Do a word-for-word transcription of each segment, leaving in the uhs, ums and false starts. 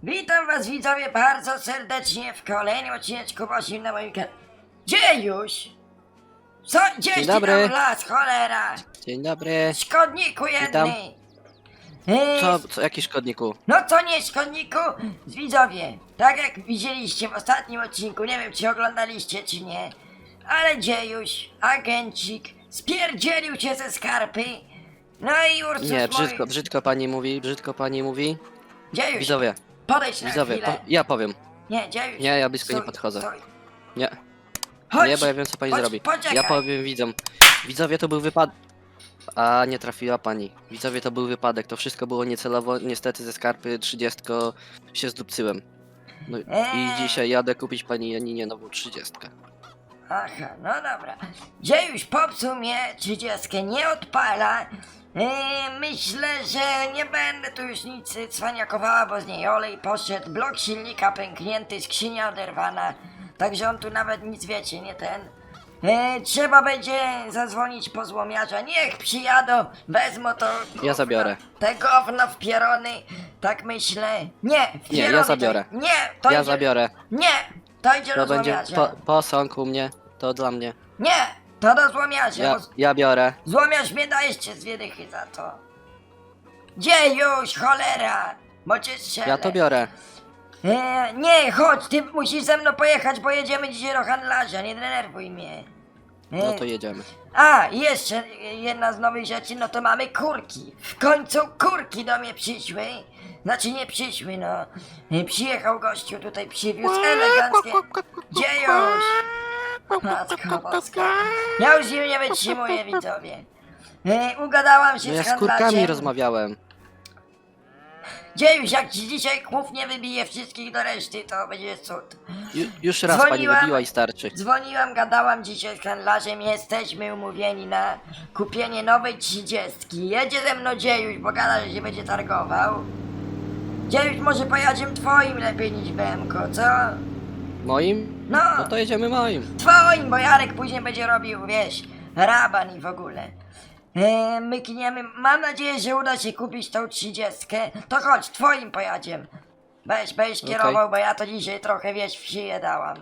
Witam was widzowie bardzo serdecznie w kolejnym odcineczku Bosim na moim kanale. Gdzie już? Co? Gdzieś ty dobry. tam las, cholera! Dzień dobry. Szkodniku Witam. jedny! Yy, Co, co, jaki szkodniku? No co nie szkodniku? Widzowie, tak jak widzieliście w ostatnim odcinku, nie wiem czy oglądaliście czy nie, ale Dziejuś, agencik, spierdzielił się ze skarpy. No i Ursus Nie, mój... brzydko, brzydko pani mówi, brzydko pani mówi. Dziejuś, Widzowie, podejdź na widzowie, chwilę. po, ja powiem. Nie, Dziejuś. Nie, ja blisko nie stój, podchodzę. stój. Nie, Chodź, nie, bo ja wiem co pani chodź, zrobi. Poczekaj. Ja powiem widzom. Widzowie, to był wypadek. A, nie trafiła pani. Widzowie, to był wypadek, to wszystko było niecelowo. Niestety ze skarpy trzydziestko się zdupcyłem. No i Eee. dzisiaj jadę kupić pani Janinie nową trzydziestkę. Aha, no dobra. Dziejuś popsuł mnie trzydziestkę, nie odpala. Yy, myślę, że nie będę tu już nic cwaniakowała, bo z niej olej poszedł, blok silnika pęknięty, skrzynia oderwana. Także on tu nawet nic wiecie, nie ten. Yy, trzeba będzie zadzwonić po złomiarza, niech przyjadą, wezmą to gówno, Ja zabiorę. te gówno w pierony, tak myślę. Nie, w Nie, ja pierony to- zabiorę. Nie, to Ja idzie, zabiorę. Nie, to idzie To do będzie złomiarza. po, posąg u mnie, to dla mnie. Nie, to do złomiarza, Ja, bo z- ja biorę. złomiarz mnie da jeszcze dwie dychy za to. Gdzie już, cholera? Bo cię strzelę. Ja to biorę. E, nie, chodź, ty musisz ze mną pojechać, bo jedziemy dzisiaj do handlarza, nie denerwuj mnie. E, No to jedziemy. A, i jeszcze jedna z nowych rzeczy, no to mamy kurki. W końcu kurki do mnie przyszły. Znaczy nie przyszły, no. E, Przyjechał gościu tutaj, przywiózł eleganckie... Gdzie już? Matko boska. Ja już im nie wytrzymuję, widzowie. E, ugadałam się No ja z z kurkami handlarzem. rozmawiałem. Gdzie już, jak ci dzisiaj kłów nie wybije wszystkich do reszty, to będzie cud. Ju, już raz pani Dzwoniłam. wybiła i starczy. Dzwoniłam, gadałam dzisiaj z handlarzem, jesteśmy umówieni na kupienie nowej trzydziestki. Jedzie ze mną Dziejuś, bo gada, że się będzie targował. Dziejuś, może pojadziemy twoim lepiej niż B M ko, co? Moim? No, No to jedziemy moim. twoim, bo Jarek później będzie robił, wiesz, raban i w ogóle. Eee, mykniemy, mam nadzieję, że uda się kupić tą trzydziestkę. To chodź, twoim pojadziemy. Weź, weź Okej. kierował, bo ja to dzisiaj trochę, wiesz, w szyję dałam.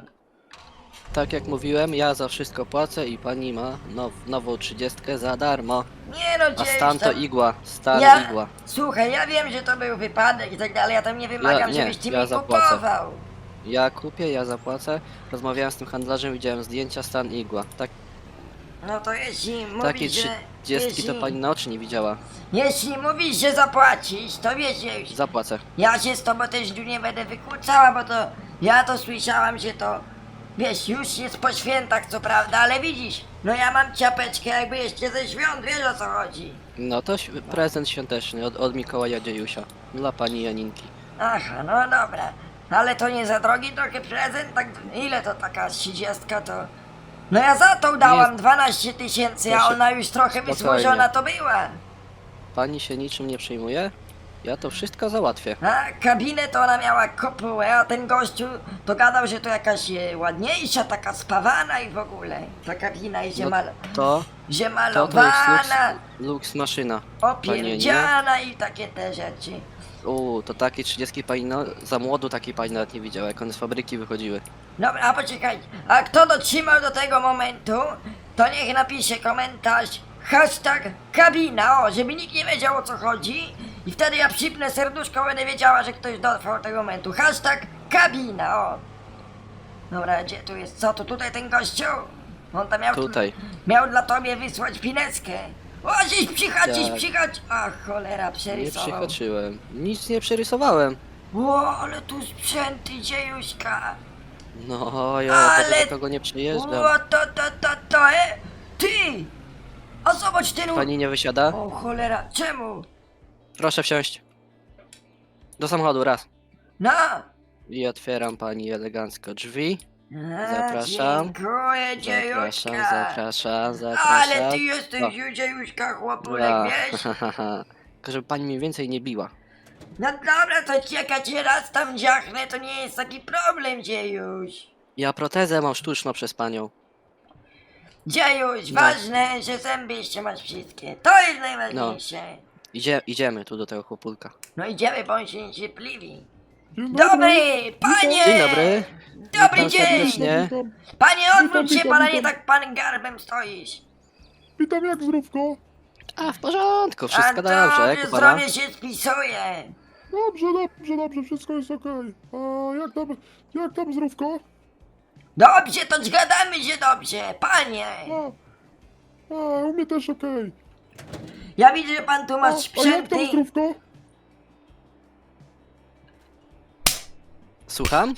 Tak jak mówiłem, ja za wszystko płacę i pani ma now, nową trzydziestkę za darmo. Nie no, A Dziejuś, stan to tam- igła, stan Ja, igła. słuchaj, ja wiem, że to był wypadek i tak dalej, ja tam nie wymagam, Ja- nie, żebyś ty ja mi zapłacę. kupował. Ja kupię, ja zapłacę. Rozmawiałem z tym handlarzem, widziałem zdjęcia, stan igła. Tak, No to jeśli takiej mówisz, że... trzydziestki to jeśli, pani na oczy nie widziała. jeśli mówisz, że zapłacisz, to wiesz, Dziejuś, Zapłacę. ja się z tobą też tu nie będę wykłócała, bo to... Ja to słyszałam, że to... Wiesz, już jest po świętach, co prawda, ale widzisz, no ja mam ciapeczkę jakby jeszcze ze świąt, wiesz o co chodzi. No to św- prezent świąteczny od, od Mikołaja Dziejusia. Dla pani Janinki. Aha, no dobra. Ale to nie za drogi trochę prezent? Tak, ile to taka trzydziestka to... No ja za tą dałam Nie. dwanaście tysięcy, a Proszę, ona już trochę spokojnie. wysłużona to była. Pani się niczym nie przejmuje? Ja to wszystko załatwię. A kabinę to ona miała kopułę, a ten gościu to gadał, że to jakaś e, ładniejsza, taka spawana i w ogóle. Ta kabina i że, No mal... to, że to to jest lux, malowana, lux maszyna. Pani Janinie. opierdziana i takie te rzeczy. Uuu, to takiej trzydziestki pani no, za młodu takiej pani nawet nie widziała, jak one z fabryki wychodziły. Dobra, a poczekaj, a kto dotrzymał do tego momentu, to niech napisze komentarz hashtag kabina, o, żeby nikt nie wiedział o co chodzi i wtedy ja przypnę serduszko, będę wiedziała, że ktoś dotrwał do tego momentu. Hashtag kabina, o. Dobra, gdzie tu jest, co tu tutaj ten gościu? On tam miał, Tutaj. miał dla tobie wysłać pineskę. O, gdzieś przychać, gdzieś Tak. przychać. Ach, cholera, Nie przerysował. przyhaczyłem. Nic nie przerysowałem. O, ale tu sprzęty, dziejuśka. No, ja Ale- ale... do kogo nie przyjeżdżam. O, to, to, to, to, e? Ty! A zobacz ten... u- Pani nie wysiada? O cholera, czemu? Proszę wsiąść. Do samochodu, raz. No! I otwieram pani elegancko drzwi. A, Zapraszam. Dziękuję, dziejuśka. Zapraszam, zapraszam, zapraszam. Ale ty jesteś O. dziejuśka, chłopulek, Ja. wiesz? Tylko żeby pani mnie więcej nie biła. No dobra, to czekać raz tam dziachnę, to nie jest taki problem, dziejuś. Ja protezę mam sztuczną przez panią. Dziejuś, No. ważne, że zęby jeszcze masz wszystkie. To jest najważniejsze. Idzie, idziemy tu do tego chłopulka. No idziemy, bo on się niecierpliwi. Dzień Dobry, panie! Dzień dobry. Dobry Witam dzień! serdecznie. Witam, Panie, odwróć się, Witam, pana witam, nie witam. tak pan garbem stoisz. witam jak zdrówko. A, w porządku, A wszystko dobrze, jak dobrze, u pana? zdrowie się spisuje. Dobrze, dobrze, dobrze, wszystko jest okej. A jak tam, jak tam zdrówko? Dobrze, to zgadamy się dobrze, panie. A, a u mnie też okej. Ja widzę, że pan tu A, ma a jak tam sprzęty. zdrówko? Słucham?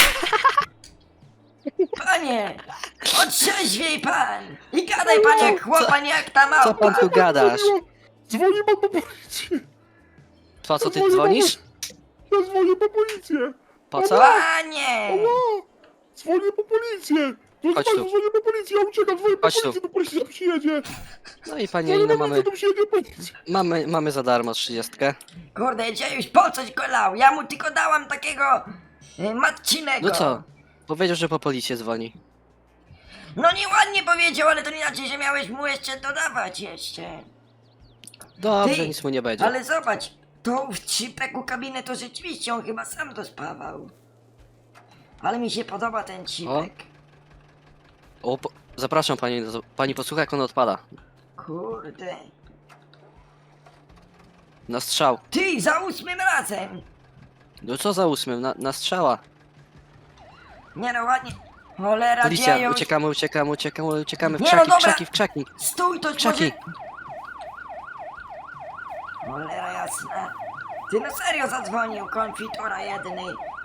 Panie, otrzeźwiej pan. I gadaj pan jak chłopan, jak ta Co małpa. pan tu gadasz? Dzwoniło- Dzwoni pan po policję. Po co ty Dzwoni dzwonisz? Ja dzwonię po policję. Po co? Panie. Ała, dzwonię po policję. Proszę Chodź państwa, tu. dzwonię po policję, ja uciekam, dzwonię po Chodź tu. policję, to policja przyjedzie. No i panie Dzwonię Janino, po mamy, policję, to przyjedzie policja. mamy, mamy za darmo trzydziestkę. Kurde, gdzie już po coś go lał? Ja mu tylko dałam takiego y, matcinego. No co? Powiedział, że po policję dzwoni. No nieładnie powiedział, ale to nie znaczy, że miałeś mu jeszcze dodawać jeszcze. Dobrze, Ty, nic mu nie będzie. Ale zobacz, to w trzypeku kabinę to rzeczywiście on chyba sam dospawał. Ale mi się podoba ten cipek. O, po... Zapraszam pani, pani posłucha jak on odpada. Kurde. Na strzał. Ty, za ósmym razem! No co za ósmym? Na, na strzała. Nie no, ładnie. Cholera, Policja, dzieją... uciekamy, uciekamy, uciekamy, uciekamy w Nie, no krzaki, w dobra. krzaki, w krzaki. Stój, to Krzaki. może... Cholera jasna. Ty no serio zadzwonił, konfitura jedny.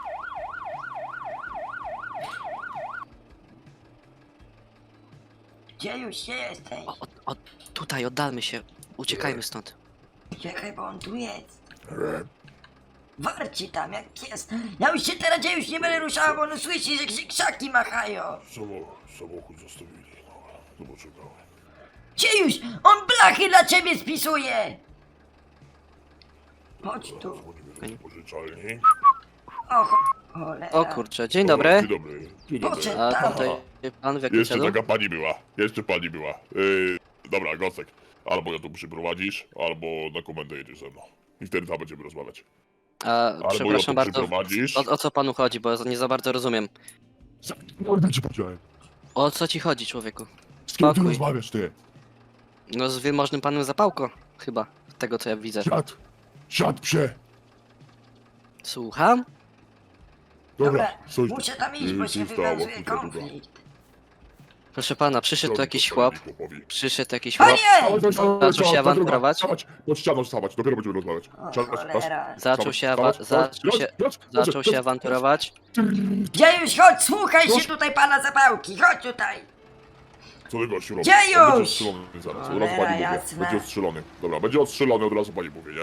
Gdzie już się jesteś? O, o, o, tutaj, oddalmy się. Uciekajmy stąd. Czekaj, bo on tu jest. Warci tam, jak jest. Ja już się teraz gdzie już nie będę ruszała, bo on słyszy, że się krzaki machają. Samochód, samochód zostawili. No, to poczekałem. Gdzie już? On blachy dla ciebie spisuje! Chodź tu. Dzwonimy do pożyczalni. O, cho- cholera. O kurczę, dzień O, dobry. Dzień dobry. Dzień dobry. Poszedł A tam. tutaj pan w jakim Jeszcze celu? taka pani była. Jeszcze pani była. Yy, dobra, Gosek. Albo ja tu przyprowadzisz, albo na komendę jedziesz ze mną. I wtedy tam będziemy rozmawiać. A, Albo przepraszam ją tu bardzo, przyprowadzisz. o, o co panu chodzi, bo nie za bardzo rozumiem. Mordę ci powiedziałem. O co ci chodzi, człowieku? Z kim ty Spokój. rozmawiasz, ty? No z wielmożnym panem Zapałko, chyba, z tego co ja widzę. Siad. Siad, psie. Słucham? Dobra, Dobra, stój. muszę tam iść, bo Yy, się tu stało, wywiązuje tu stało. konflikt. Proszę pana, przyszedł tu Robi jakiś to chłop, pani chłopowi. przyszedł jakiś chłop, Panie! Zaczął się awanturować? Stawać, pod ścianą stawać, dopiero będziemy rozmawiać. O, Czas, czas, cholera. zaczął się, awa- stawać, zaczął stawać, się, stawać, zaczął się stawać. awanturować. Gdzie już? Chodź, słuchaj się Proszę. tutaj pana zapałki, chodź tutaj. Co ty gościu robisz? Gdzie On Będzie już? ostrzelony zaraz, od Cholera razu pani mówię. jasna. Będzie ostrzelony. Dobra, będzie ostrzelony, od razu pani mówię, nie?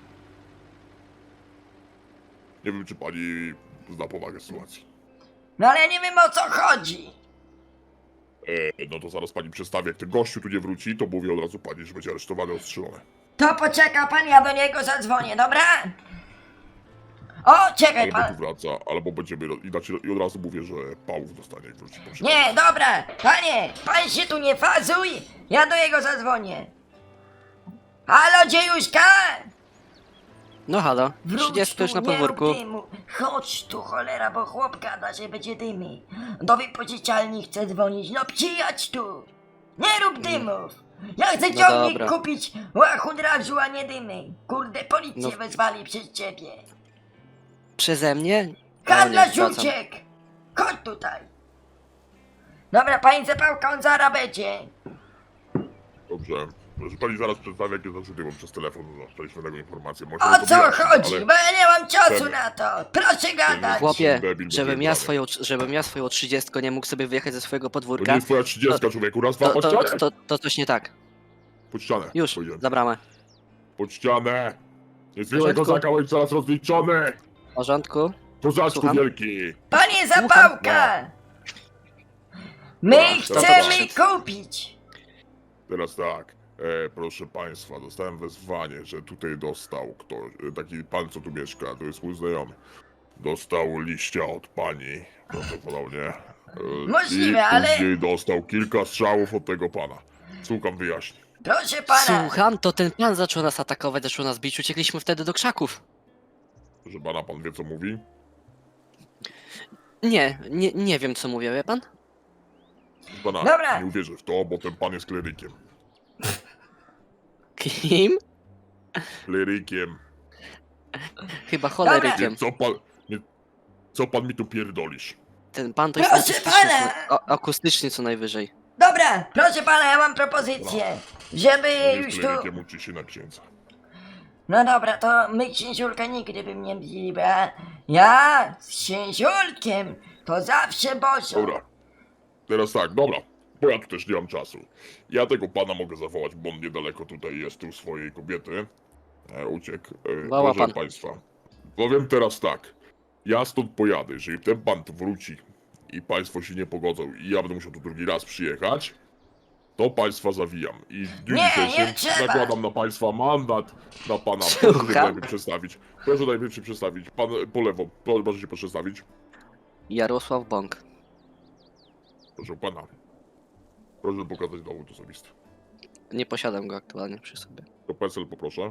Nie wiem, czy pani zna powagę sytuacji. No ale ja nie wiem o co chodzi. E, no to zaraz pani przedstawi, jak ten gościu tu nie wróci, to mówię od razu pani, że będzie aresztowany, ostrzelony. To poczeka pan, ja do niego zadzwonię, dobra? O, czekaj Albo tu pan. wraca, albo będziemy, inaczej, i od razu mówię, że pałów dostanie, jak wróci. po Nie, dobra, panie, pan się tu nie fazuj, ja do jego zadzwonię. Halo, dziejuszka? No halo, Wróć trzydziestka już tu, na nie rób podwórku. dymu. Chodź tu, cholera, bo chłop gada, że będzie dymy. Do wypożyczalni chce dzwonić, no przyjadź tu. Nie rób dymów. Ja chcę No ciągnik dobra. kupić łachud rażu, a nie dymy. Kurde, policję No. wezwali przez ciebie. Przeze mnie? O, Handlarz nie, wracam. uciekł! Chodź tutaj! Dobra, pani Zapałka, on zaraz będzie. Dobrze. Proszę pani zaraz przedstawię, jakie zarzuty mam przez telefon, no, dostaliśmy taką informację. Może O to co wyjaśnię, chodzi? ale Bo ja nie mam czasu Ten- na to. Proszę gadać. Chłopie, Debil żebym będzie ja brany. swoją, żebym ja swoją trzydziestką nie mógł sobie wyjechać ze swojego To nie podwórka, jest twoja trzydziestka, człowieku. Raz, dwa, to, pod to, ścianę! to, to coś nie tak. Pod ścianę. Już, Powiedziałem. za bramę. Pod ścianę! Nie słyszę Porządku. kozaka, bądź zaraz rozliczony! W porządku? Kozaczku Słucham? wielki! Panie Zapałka! My No, chcemy teraz- kupić. Teraz tak, e, proszę państwa, dostałem wezwanie, że tutaj dostał ktoś, e, taki pan, co tu mieszka, to jest mój znajomy. Dostał liścia od pani, prawdopodobnie. E, Możliwe, i ale- później dostał kilka strzałów od tego pana. Słucham wyjaśnień. Proszę pana. Słucham, to ten pan zaczął nas atakować, zaczął nas bić, uciekliśmy wtedy do krzaków. Proszę pana, pan wie co mówi? Nie, nie, nie wiem co mówię, wie pan? Proszę pana, Dobra. nie uwierzę w to, bo ten pan jest klerykiem. Kim? Klerykiem. Chyba Nie, cholerykiem. co pan... Nie, co pan mi tu pierdolisz? Ten pan to jest Proszę akustyczny, pana! co, o, akustyczny co najwyżej. Dobra, proszę pana, ja mam propozycję, żeby Nie już jest tu... klerykiem, uczy się na księdza. No dobra, to my księciulka nigdy bym nie bili, bo ja, ja z księciulkiem to zawsze boso. Dobra. Teraz tak, dobra. Bo ja tu też nie mam czasu. Ja tego pana mogę zawołać, bo on niedaleko tutaj jest, tu swojej kobiety. E, uciekł. E, Woła proszę pan. państwa. Powiem teraz tak. Ja stąd pojadę, jeżeli ten pan tu wróci i państwo się nie pogodzą i ja będę musiał tu drugi raz przyjechać, to państwa zawijam. I w dniu Nie, nie dzisiejszym trzeba. nakładam na państwa mandat na pana. Słucham? Proszę się najpierw przedstawić. Proszę najpierw się przedstawić. Pan po lewo, po- proszę się przedstawić. Jarosław Bąk. Proszę pana. Proszę pokazać dowód osobisty. Nie posiadam go aktualnie przy sobie. To PESEL poproszę.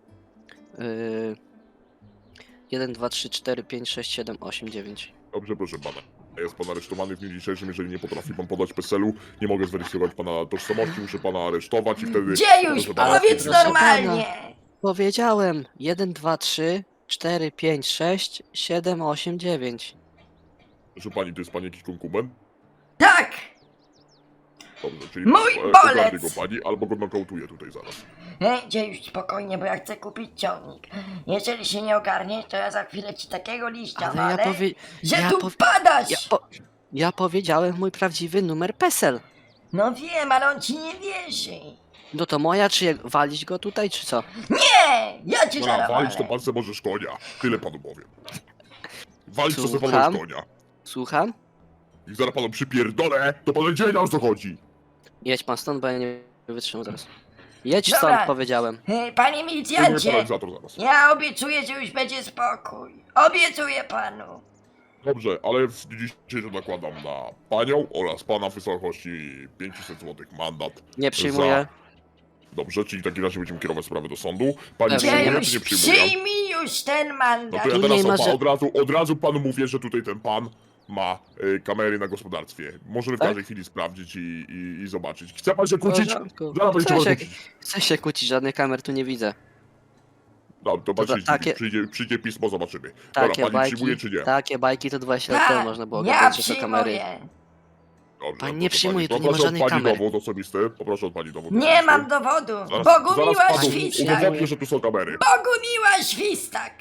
Yy... jeden, dwa, trzy, cztery, pięć, sześć, siedem, osiem, dziewięć. Dobrze, proszę pana. Jest pan aresztowany w dniu dzisiejszym, jeżeli nie potrafi pan podać PESEL-u, nie mogę zweryfikować pana tożsamości, muszę pana aresztować i wtedy... Dziejuś, proszę pana, powiedz proszę normalnie! Powiedziałem! jeden, dwa, trzy, cztery, pięć, sześć, siedem, osiem, dziewięć. Proszę pani, to jest pani jakiś konkubent? Tak! Dobrze, czyli Mój e, bolec! ogarnie go pani, albo go nokautuję tutaj zaraz. Ej, dziejuś, spokojnie, bo ja chcę kupić ciągnik. Jeżeli się nie ogarniesz, to ja za chwilę ci takiego liścia Ale ja walę, powie... że ja tu powie- padasz! Ja, po... ja powiedziałem mój prawdziwy numer PESEL. No wiem, ale on ci nie wierzy. No to moja, czy jak walić go tutaj, czy co? Nie! Ja cię Dobra, zaraz walić to walę. pan se możesz konia. Tyle panu powiem. Walić to se pan Słucham? możesz konia. Słucham? I zaraz panu przypierdolę, to pan będzie wiedział, o co chodzi. Jedź pan stąd, bo ja nie wytrzymam zaraz. Jedź Dobra. stąd, powiedziałem. Ej, Panie Dziękuję milicjancie, paralizator zaraz. ja obiecuję, że już będzie spokój. Obiecuję panu. Dobrze, ale w dniu dzisiejszym nakładam na panią oraz pana w wysokości pięćset złotych mandat. Nie przyjmuję. Dobrze, czyli w takim razie będziemy kierować sprawę do sądu. Pani Dobrze, przyjmuje, nie czy nie Dziejuś, przyjmuje? przyjmij już ten No mandat. to ja Tu teraz nie ma, opa, że- od, razu, od razu panu mówię, że tutaj ten pan ma y, kamery na gospodarstwie. Możemy w Tak? każdej chwili sprawdzić i, i, i zobaczyć. Chce pan się W kłócić? porządku. Zaraz będzie Chcę trzeba się, kłócić. chcę się kłócić, żadnych kamer tu nie widzę. No, to pan To się za- takie- przyjdzie, przyjdzie pismo, zobaczymy. Takie Dobra, pani bajki, przyjmuje czy nie? takie bajki to dwadzieścia lat temu można było ja gadać, że to kamery. przyjmuję. Dobrze, Pani proszę nie przyjmuje, tu nie ma Poproszę od żadnych pani kamer. dowód osobisty. Poproszę od pani dowód Nie osobisty. mam dowodu. Zaraz, Bogu zaraz miła panu świstak. udowodnię, że tu są kamery. Bogu miła świstak.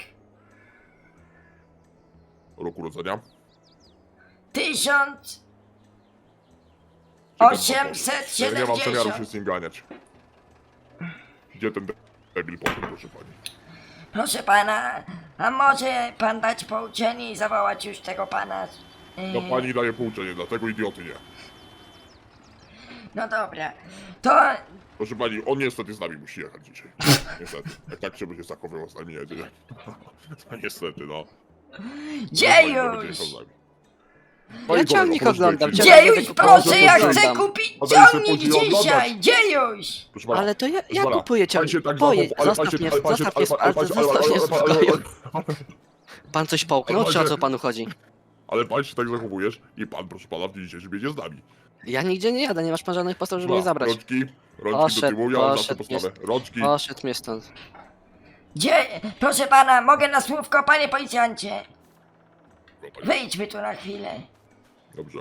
Rok urodzenia? Tysiąc Czekaj, osiemset Ja nie mam zamiaru się siedemdziesiąt. z nim ganiać. Gdzie ten debil potem, proszę pani? Proszę pana, a może pan dać pouczenie i zawołać już tego pana? Yy, No pani daje pouczenie, dlatego idioty nie. no dobra, to Proszę pani, on niestety z nami musi jechać dzisiaj. Niestety. Jak tak się będzie zachowywał z nami jedzie. To niestety, no. Pani to będzie dziejuś. jechał z nami. Ja Pani ciągnik kolego, proszę oglądam, tutaj ciągnik przyjść. Dziejuś, tylko proszę, proszę, ja oglądam. chcę kupić A daj sobie ciągnik później oglądać. dzisiaj, dziejuś. Proszę pana, Ale to ja, proszę ja pana, kupuję pan ciągnik. się tak Pojedź, zachował, ale pan zostaw się- mnie, ale pan się- zostaw mnie, ale pan- ale pan- zostaw mnie w ale pan- spokoju. ale pan- Pan coś połknął, ale czy o pan- co panu chodzi? Ale pan się tak zachowujesz i pan, proszę pana, w dniu dzisiejszym jedzie z nami. Ja nigdzie nie jadę, nie masz pan żadnych podstaw, żeby mnie zabrać. Rączki, rączki do Poszedł, tyłu, ja mam zawsze poszedł, postawę. Rączki, Poszedł mnie stąd. Gdzie, proszę pana, mogę na słówko, panie policjancie? Dobra, Wyjdźmy tu na chwilę. dobrze.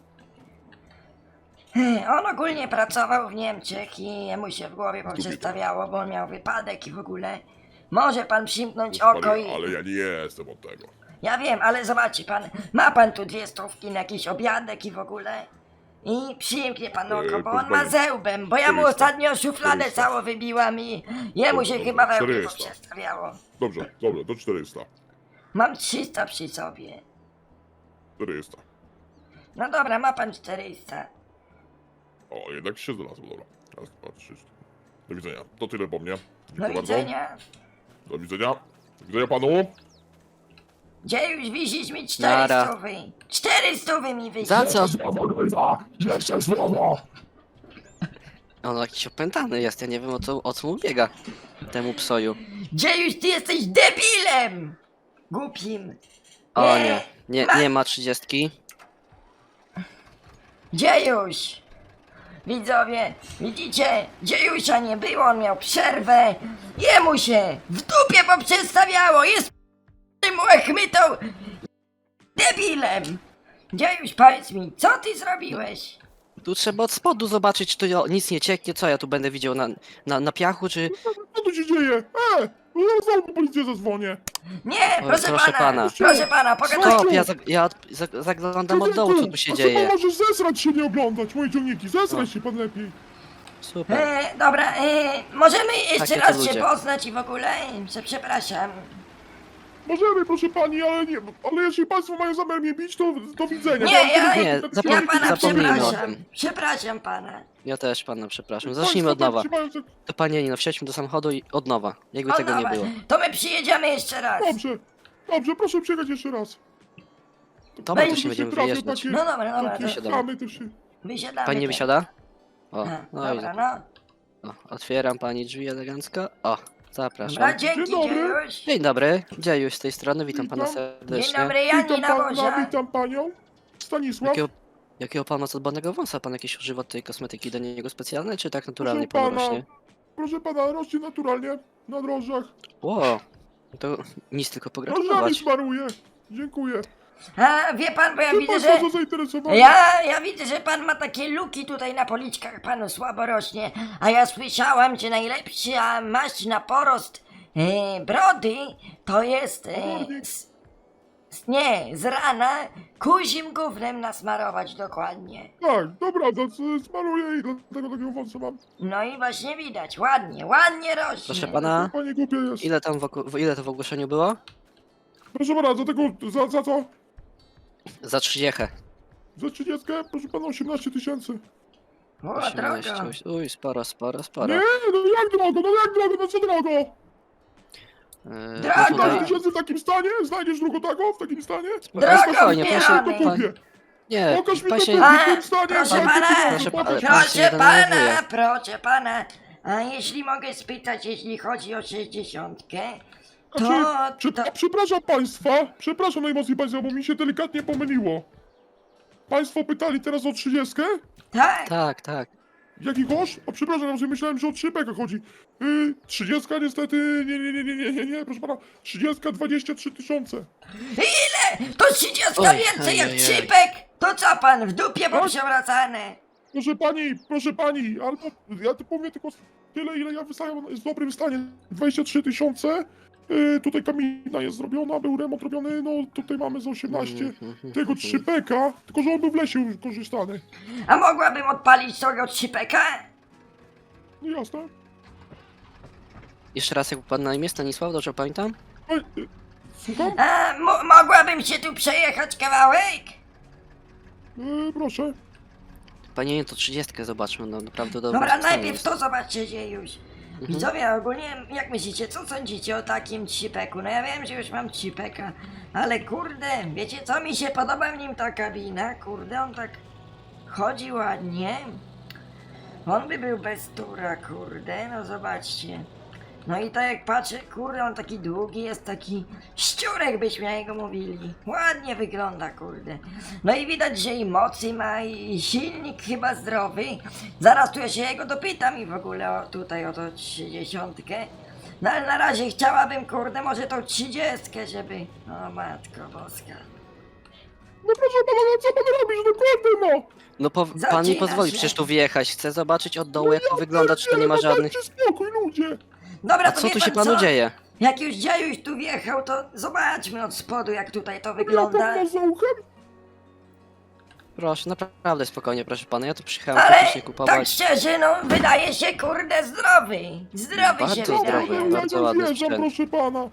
On ogólnie pracował w Niemczech i jemu się w głowie poprzestawiało, bo on miał wypadek i w ogóle. Może pan przymknąć Proszę oko pani, i... ale ja nie jestem od tego. Ja wiem, ale zobaczy pan, ma pan tu dwie stówki na jakiś obiadek i w ogóle? I przymknie pan oko, Eee, bo proszę on ma pani, zełbem, bo ja mu czterysta. ostatnio szufladę czterysta. całą wybiłam i jemu Dobrze, się dobrze, chyba we mnie czterysta. poprzestawiało. Dobrze, dobrze, do czterysta. Mam trzysta przy sobie. czterysta. No dobra, ma pan czterysta. O, jednak się znalazło, dobra. Raz, dwa, trzy, cztery. Do widzenia. To tyle po mnie. Do Dziękuję bardzo. widzenia. Do widzenia. Do widzenia panu. Gdzie już wisisz mi Nara. cztery stówy? Cztery stówy mi wisisz. Za co? Jeszcze słowo! On jakiś opętany jest, ja nie wiem o co, o co mu biega. Temu psoju. Gdzie już ty jesteś debilem? głupim. O nie, nie, nie ma trzydziestki. Dziejuś! Widzowie, widzicie? Dziejusia nie było, on miał przerwę. Jemu się w dupie poprzestawiało, jest tym łechmytą debilem. Dziejuś, powiedz mi, co ty zrobiłeś? Tu trzeba od spodu zobaczyć, czy tu nic nie cieknie. Co ja tu będę widział na, na, na piachu, czy... Co tu się dzieje? E! No ja znowu po policję zadzwonię. Nie, Oj, proszę, proszę pana, pana. proszę pana, pogadajcie. Stop, ja, zag, ja zag, zaglądam od dołu, co tu się A dzieje. pan możesz zesrać się, nie oglądać moje ciągniki. Zesraj się pan lepiej. Super. E, dobra, e, możemy jeszcze Takie to raz się ludzie. poznać i w ogóle? Prze- Przepraszam. Możemy, proszę pani, ale nie, ale jeśli państwo mają zamiar mnie bić, to do widzenia. Nie, Bo mam ja- tylko Nie, takie zapom- Ja ciągniki, pana zapomnijmy o przepraszam. tym. Przepraszam pana. Ja też pana przepraszam. państwo Zacznijmy od tak nowa. trzymają, że- To panie Janino, wsiądźmy do samochodu i od nowa. Jakby O, tego nie dobra, było. to my przyjedziemy jeszcze raz. Dobrze, dobrze, proszę przyjechać jeszcze raz. Dobra, to Będzie się będziemy trafią wyjeżdżać. takie- No dobra, dobra, takie to Wysiadamy. chamy też się... wysiadamy. Pani nie teraz. wysiada? O, A, no i dobra, no. o, otwieram pani drzwi elegancko. O, Dobra, zapraszam. dzięki, Dzień dobry. Dziejuś. Dzień dobry, Dziejuś z tej strony, witam pana Witam. Dzień serdecznie. dobry, Jani Witam na pana, wozie. witam panią. Stanisław. Jakiego, jakiego pan ma zadbanego wąsa? Pan jakieś używa tej kosmetyki do niego specjalnej, czy tak naturalnie Proszę pan pana, rośnie? proszę pana, rośnie naturalnie na drożdżach. Ło, to nic tylko Drożdżami pogratulować. smaruję. Dziękuję. A, wie pan, bo ja Czy widzę, państwo że... są zainteresowani? Ja, ja widzę, że pan ma takie luki tutaj na policzkach, panu słabo rośnie. A ja słyszałam, że najlepsza maść na porost e, brody to jest... E, s, s, nie, z rana kuzim gównem nasmarować dokładnie. Tak, dobra, to s- smaruję i dlatego takiego wąsa mam. No i właśnie widać, ładnie, ładnie rośnie. Proszę pana, Panie głupie jest. ile tam w, oku- ile to w ogłoszeniu było? Proszę pana, za tego, za, za co? Za trzydziechę. Za trzydziestkę? Proszę pana, osiemnaście tysięcy. O, osiemnaście. drogo. Uj, sporo, sporo, sporo. Nie, no jak drogo, no jak drogo, no co drogo? Yy, Drogo! no piętnaście tutaj, tysięcy w takim stanie? Znajdziesz drugą taką w takim stanie? Drogo spokojnie, To proszę, wbieramy. pan, kupię. nie, Pokaż mi pan to się, kupię A, w tym stanie. proszę znajdę pana, pieniądze, proszę pokaż pana, mi. pan się Proszę nie pana, denerwuje. proszę pana, a jeśli mogę spytać, jeśli chodzi o sześćdziesiątkę, to, Znaczy, Prze- to, Przepraszam państwa, przepraszam najmocniej państwa, bo mi się delikatnie pomyliło. Państwo pytali teraz o trzydziestkę? tak, tak, tak. Jaki kosz? O przepraszam, ja sobie myślałem, że o trzy beka chodzi. Yy, trzydziestka niestety, nie, nie, nie, nie, nie, nie, nie, proszę pana. trzydziestka, dwadzieścia trzy tysiące. ile? To trzydziestka Oj, więcej jak oj, oj. trzypek? To co pan, w dupie poprzewracane? Proszę pani, proszę pani, albo ja tu powiem tylko tyle, ile ja wystawiam, jest w dobrym stanie. dwadzieścia trzy tysiące. Yy, tutaj kamina jest zrobiona, był remont robiony, no tutaj mamy za osiemnaście. Tego trzy beka, tylko że on był w lesie już korzystany. A mogłabym odpalić tego trzypeka? No jasne. Jeszcze raz, jak pan na imię Stanisław, dobrze pamiętam? Ej, yy, słucham? A, mo- mogłabym się tu przejechać kawałek? Yy, proszę. Panie, nie, to trzydziestkę zobaczmy, no naprawdę dobrze. Dobra, najpierw to zobaczcie się już. Widzowie, ogólnie, jak myślicie, co sądzicie o takim trzypeku? No ja wiem, że już mam trzypeka, ale kurde, wiecie co mi się podoba w nim ta kabina? Kurde, on tak chodzi ładnie. On by był bez tura, kurde, no zobaczcie. No i tak jak patrzę, kurde, on taki długi jest, taki szczurek byśmy na jego mówili. Ładnie wygląda, kurde. No i widać, że i mocy ma, i silnik chyba zdrowy. Zaraz tu ja się jego dopytam i w ogóle o, tutaj o to trzydziestkę. No ale na razie chciałabym, kurde, może tą trzydziestkę, żeby... O matko boska. No proszę pana, no co pan robisz, no kurde no! No po, pan mi Zacina pozwoli się. przecież tu wjechać. Chcę zobaczyć od dołu, jak to wygląda, czy to nie ma no żadnych... dajcie spokój, ludzie! Dobra, A to co wie tu pan się panu co? dzieje? Jak już Dziejuś tu wjechał, to zobaczmy od spodu, jak tutaj to Ja wygląda. tam za uchem? Proszę, naprawdę spokojnie, proszę pana, ja tu przyjechałem Ale faktycznie tak kupować. szczerze, no wydaje się kurde zdrowy. Zdrowy Bardzo się zdrowy. wydaje. Ja, ja bardzo nie ładny wjeżdżam, sprzęt. proszę pana.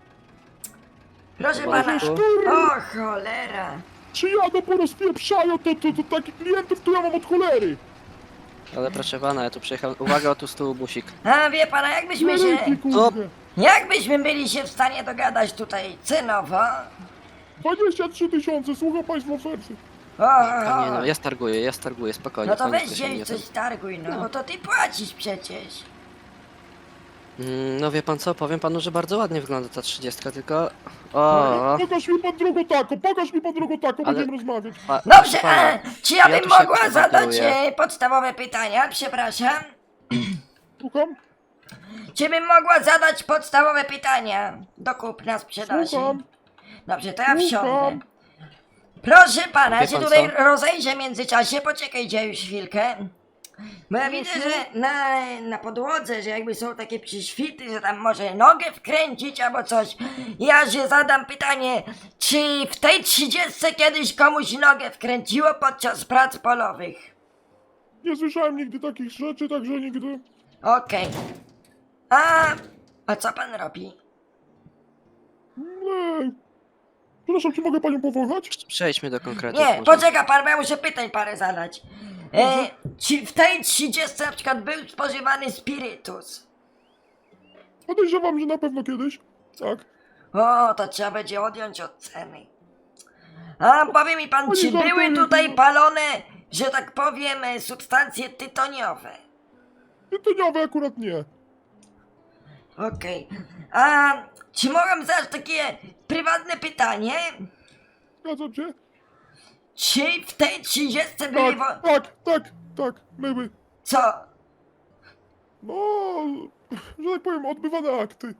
Proszę Dobra, pana. dziękuję. O cholera. Czy jadą po rozpieprzają, to, to, to takich klientów to ja mam od cholery. Ale proszę pana, ja tu przyjechałem... Uwaga, tu z tyłu busik. A wie pana, jakbyśmy się... Ręki, kurde. Jakbyśmy byli się w stanie dogadać tutaj cenowo? dwadzieścia trzy tysiące, słucham państwa oferty. O, o, Panie, no o. ja starguję, ja starguję, spokojnie. No to panie, weź proszę mnie się coś tam- targuj, no bo to ty płacisz przecież. Mm, No wie pan co, powiem panu, że bardzo ładnie wygląda ta trzydziestka, tylko... O, Pokaż mi pan drogą taką, pokaż mi pan drogą taką, Ale- będziemy rozmawiać. pa, Dobrze, proszę pana, e, czy ja ja bym tu się mogła zadać kontaktuję. e, podstawowe pytania? Przepraszam. Słucham? Czy bym mogła zadać podstawowe pytania do kupna sprzedaży? Słucham? Dobrze, to ja Słucham. wsiądę. Proszę pana, Wie ja się pan tutaj co? rozejrzę w międzyczasie, poczekajcie już chwilkę. Bo ja widzę, że na, na podłodze, że jakby są takie przyświty, że tam może nogę wkręcić albo coś. Ja się zadam pytanie, czy w tej trzydziestce kiedyś komuś nogę wkręciło podczas prac polowych? Nie słyszałem nigdy takich rzeczy, także nigdy. Okej. A, a co pan robi? Nie. Przepraszam, czy mogę panią powołać? Przejdźmy do konkretów. Nie, może. poczeka pan, bo ja muszę pytań parę zadać. E, czy w tej trzydziestce na przykład był spożywany spirytus? Podejrzewam, że na pewno kiedyś. Tak. O, to trzeba będzie odjąć od ceny. A powie mi pan, Oni czy żartują, były tutaj no. palone, że tak powiem, e, substancje tytoniowe? Tytoniowe akurat nie. Okej. A czy mogę zadać takie prywatne pytanie? Zgadzam się? Czy w tej trzydziestce były Tak, wo... tak, tak, tak, były. Co? No, że tak powiem, odbywane akty.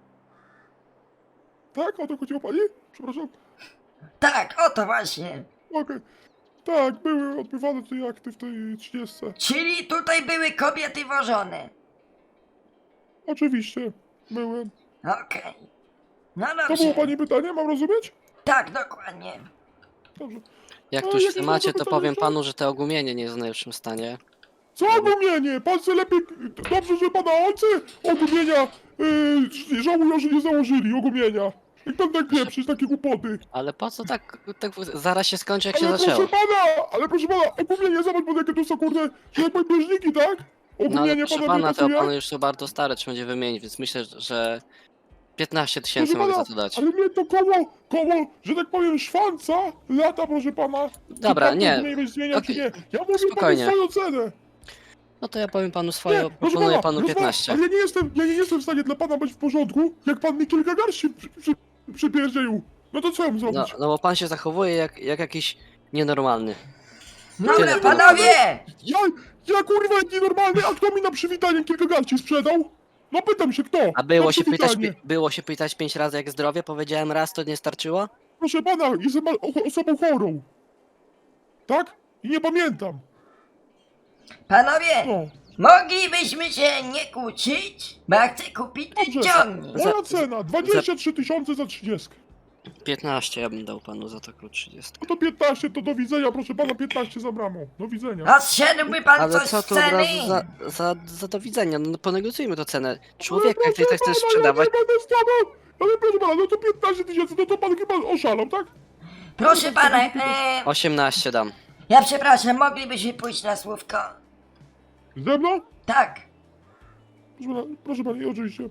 Tak? O to chodziło pani? Przepraszam. Tak, o to właśnie. Okej. Tak, były odbywane te akty w tej trzydziestce. Czyli tutaj były kobiety wożone. Oczywiście, byłem. Okej. No To było dobrze. pani pytanie, mam rozumieć? Tak, dokładnie. Dobrze. Jak No, tu już w jakieś temacie, nowe to pytania powiem są? panu, że to ogumienie nie jest w najlepszym stanie. Co ogumienie? Pan se lepiej... Dobrze, że pana ojcy ogumienia yy, żałują, że nie założyli ogumienia. Jak pan tak pieprzyć, takie głupoty. Ale po co tak, tak zaraz się skończy, jak się Ale zaczęło. proszę pana, ale proszę pana, ogumienie, zobacz pan jakie tu są kurde, że jak powiem bieżniki, tak? No ale Ogumienie proszę pana nie pana, te pasuje? opony już są bardzo stare, trzeba będzie wymienić, więc myślę, że piętnaście tysięcy Proszę mogę pana, za to dać. ale mnie to koło, koło, że tak powiem, szwanca lata, proszę pana. Dobra, Czy pan nie. to zmienić, zmienia, czy Okej, nie? Ja mówię spokojnie. panu swoją cenę. No to ja powiem panu Nie, swoje, proszę proponuję pana, panu proszę pana, piętnaście. ale ja nie jestem, ja nie jestem w stanie dla pana być w porządku, jak pan mi kilka garści przy, przy, przypierdzielił. No to co ja mam No, zrobić? no bo pan się zachowuje jak, jak jakiś nienormalny. Dobra, Tyle, panowie! Ja, ja kurwa jak nienormalny, a kto mi na przywitanie kilka garści sprzedał? No pytam się kto? A było Na się, pytać, przywitanie. pi- było się pytać pięć razy jak zdrowie? Powiedziałem raz, to nie starczyło? Proszę pana, jestem o- osobą chorą. Tak? I nie pamiętam. Panowie! No. Moglibyśmy się nie kłócić? Bo ja chcę kupić ten Dobrze. ciągnik. Moja Za- cena, dwadzieścia trzy tysiące za trzydziestkę. piętnaście ja bym dał panu za taką trzydziestkę. No to piętnaście, to do widzenia, proszę pana, piętnaście za bramą. Do widzenia. A zszedłby pan Ale coś co z tu od ceny? razu za, za, za do widzenia? No ponegocjujmy to cenę. Człowiek, jak ty Ale tak chcesz proszę sprzedawać, pana, ja nie będę stawał. Ale proszę pana, no to piętnaście tysięcy, no to pan chyba oszalał, tak? Proszę pana, e, osiemnaście dam. ja przepraszam, moglibyśmy pójść na słówko? Ze mną? Tak. Proszę pana, proszę pani, oczywiście.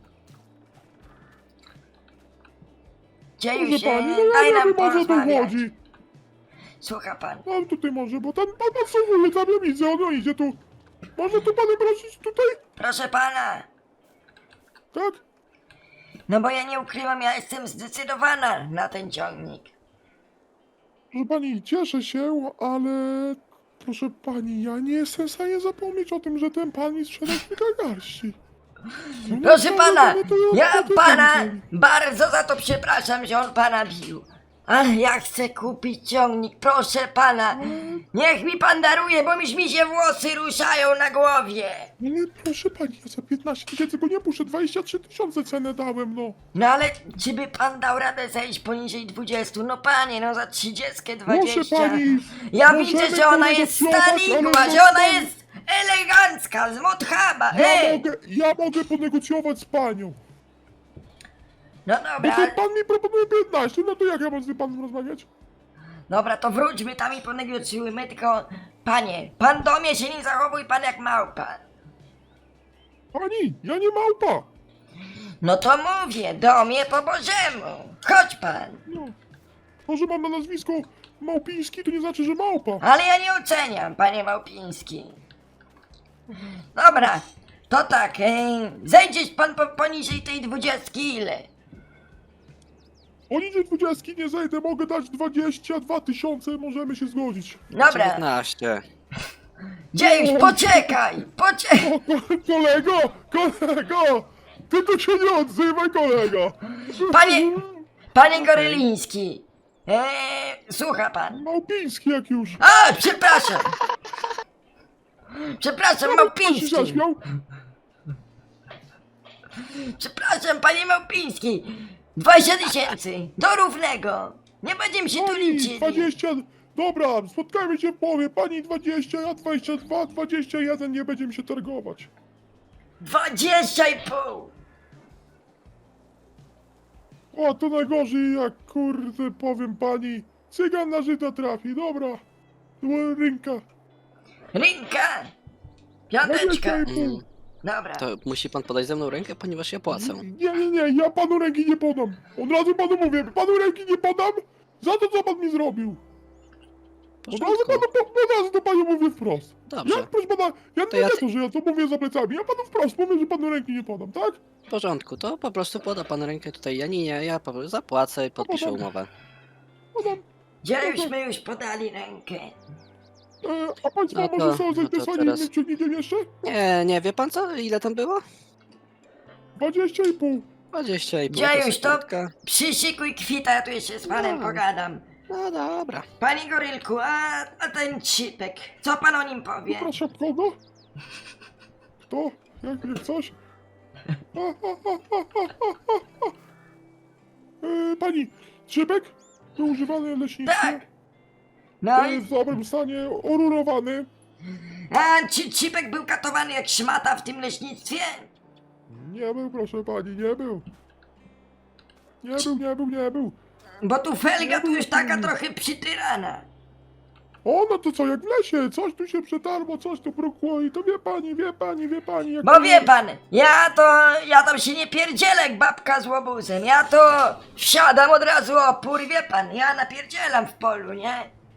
Dzieju Proszę się, pani, no ja daj nie nam wiem, o co tu porozmawiać. chodzi. Słucha pan. No tutaj może, bo tam pan podsłuchuje, tam ja widzę, on idzie tu. Może tu pana prosić tutaj? Proszę pana. Tak? No bo ja nie ukrywam, ja jestem zdecydowana na ten ciągnik. Proszę pani, cieszę się, ale... Proszę pani, ja nie jestem w stanie zapomnieć o tym, że ten pan mi sprzedał kilka garści. No Proszę no, pana, no to ja to pana ten- bardzo za to przepraszam, że on pana bił. Ale ja chcę kupić ciągnik, proszę pana. Niech mi pan daruje, bo już mi się włosy ruszają na głowie. Ale proszę pani, ja za piętnaście tysięcy go nie puszczę, dwadzieścia trzy tysiące cenę dałem, no. No ale czy by pan dał radę zejść poniżej dwudziestu? No panie, no za trzydziestkę Proszę dwadzieścia. pani, Ja możemy widzę, że ona jest ponegocjować, stanikła, ale że no ona pan- jest elegancka, z Mothaba. Ja Ej! mogę, ja mogę ponegocjować z panią. No Bo dobra, to ale... pan mi proponuje piętnaście, no to jak ja mam z tym panem rozmawiać? Dobra, to wróćmy tam i ponegocjujmy, tylko... Panie, pan do mnie się nie zachowuj pan jak małpa. Pani, ja nie małpa. No to mówię, do mnie po bożemu. Chodź pan. No. To, że mam na nazwisko Małpiński, to nie znaczy, że małpa. Ale ja nie oceniam, panie Małpiński. Dobra, To tak, e, zejdziesz pan po, poniżej tej dwudziestki ile? Poniżej dwudziestki nie zejdę, mogę dać dwadzieścia dwa tysiące, możemy się zgodzić. Dobra, dziewiętnaście. Dziejuś, poczekaj, poczekaj. O, ko kolego, kolego! Ty tu się nie odzywaj, kolego! Panie, panie Goryliński, e, słucha pan. Małpiński jak już. A, przepraszam. Przepraszam, Pan się Małpiński. zaśmiał? Przepraszam, panie Małpiński. dwadzieścia tysięcy, do równego. Nie będziemy się tu Pani liczyć. dwadzieścia... Dobra, spotkajmy się w połowie. Pani dwadzieścia, ja dwadzieścia dwa, dwadzieścia jeden, nie będziemy się targować. Dwadzieścia i pół. O, to najgorzej, jak kurde, powiem pani. Cygan na Żyda trafi, dobra. Była rynka. Rynka. dwadzieścia Piąteczka. i pół. Mm, Dobra. to musi pan podać ze mną rękę, ponieważ ja płacę. Nie, nie, nie, ja panu ręki nie podam. Od razu panu mówię, panu ręki nie podam za to, co pan mi zrobił. W Od razu porządku. panu, po- od razu to panu mówię wprost. Dobrze. Ja, proszę pana, ja To nie ja- wiem, że ja to mówię za plecami, ja panu wprost mówię, że panu ręki nie podam, tak? W porządku, to po prostu poda pan rękę tutaj Janinie, ja po prostu zapłacę i podpiszę umowę. Podam. Dziejuśmy już podali rękę. E, a państwo No to- może są no to zainteresowani teraz- innym ciągnikiem jeszcze? Nie, nie, wie pan co? Ile tam było? Dwadzieścia i pół. dwadzieścia i pół. Dziejuś, to sekundka. przyszykuj kwita, ja tu jeszcze z panem No. pogadam. No dobra. Panie Gorylku, a, a ten Cipek, co pan o nim powie? Przepraszam, kogo? Kto? Jak, jak coś? A, a, a, a, a, a, a. E, pani, szybek? Był używany w leśnictwie? Tak. No E, i, w dobrym stanie, orurowany. a Ci- Cipek był katowany jak szmata w tym leśnictwie? Nie był, proszę pani, nie był. Nie był, nie był, nie był. Bo tu felga tu już taka trochę przytyrana. O, no to co, jak w lesie, coś tu się przetarło, coś tu brukło i to wie pani, wie pani, wie pani. Jak Bo to wie jest. pan, ja to, ja tam się nie pierdzielę jak babka z łobuzem. Ja to wsiadam od razu opór, wie pan, ja napierdzielam w polu, nie?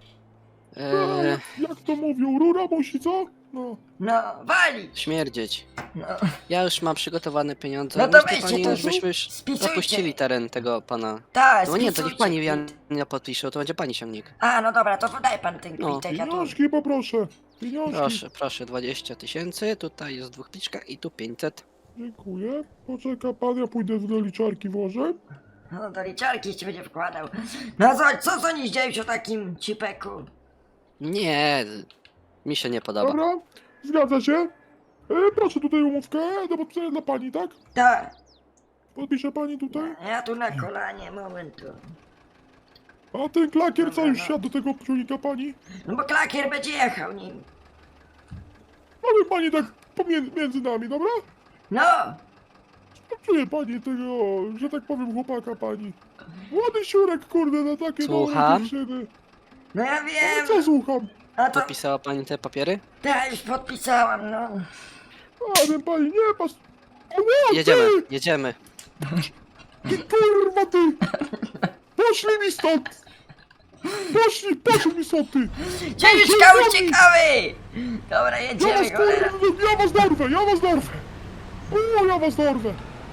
A, Eee, jak, jak to mówią, rura musi, co? No. No, walić. śmierdzieć. No, Ja już mam przygotowane pieniądze. No to Myślę, weźcie pani, to, żebyśmy już spisujcie. opuścili teren tego pana. tak, No nie, to niech spisujcie pani kwit. Jania podpisze, to będzie pani ciągnik. A, no dobra, to podaj pan ten No. kwitek, ja tu... Pieniążki poproszę, pieniążki. Proszę, proszę, dwadzieścia tysięcy, tutaj jest dwóch pliczka i tu pięćset. Dziękuję. Poczeka pan, ja pójdę do liczarki włożę. No do liczarki się będzie wkładał. No co, co sądzisz, dziejuś, o takim Cipeku? Nie, mi się nie podoba. Dobra, zgadza się. E, proszę tutaj umówkę do podpisania dla pani, tak? Tak, Podpisze pani tutaj. ja tu na kolanie, momentu. A ten klakier co już Dobra, no. siadł do tego ciągnika pani? No bo klakier będzie jechał nim. Powiem pani tak pomiędzy między nami, dobra? No, Czuje pani tego, że tak powiem, chłopaka pani. Młody siurek, kurde, na takie Słucham? dobre dziewczyny. no ja Ale wiem. co słucham? A to, Podpisała pani te papiery? tak, już podpisałam, no. A ten pani nie pas... O, nie, Jedziemy, Ty, jedziemy. ty kurwa ty! Poszli mi stąd! Poszli, poszli mi stąd ty! Dziejuszka, uciekały! Dobra, Ja was jedziemy, cholera. kurwa, ja was dorwę, ja was dorwę! O, ja was dorwę!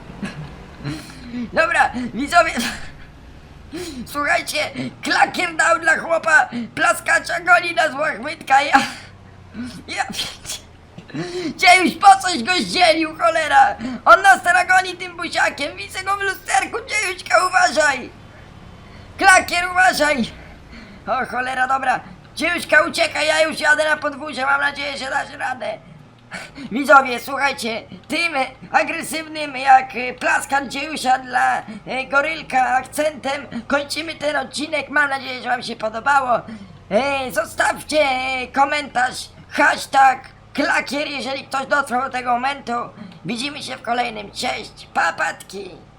Dobra, widzowie. Słuchajcie, klakier dał dla chłopa plaskacza goli na złoch Wydka, ja... Ja... Dziejuś, po coś go zdzielił, cholera! On nas teraz goni tym buziakiem, widzę go w lusterku, Dziejuśka, uważaj! Klakier, uważaj! O cholera, dobra, Dziejuśka, uciekaj, ja już jadę na podwórze, mam nadzieję, że dasz radę. Widzowie, słuchajcie, tym agresywnym jak e, plaskan Dziejusia dla e, Gorylka akcentem kończymy ten odcinek. Mam nadzieję, że wam się podobało. E, zostawcie e, komentarz, hashtag klakier, jeżeli ktoś dotrwał do tego momentu. Widzimy się w kolejnym. Cześć, papatki!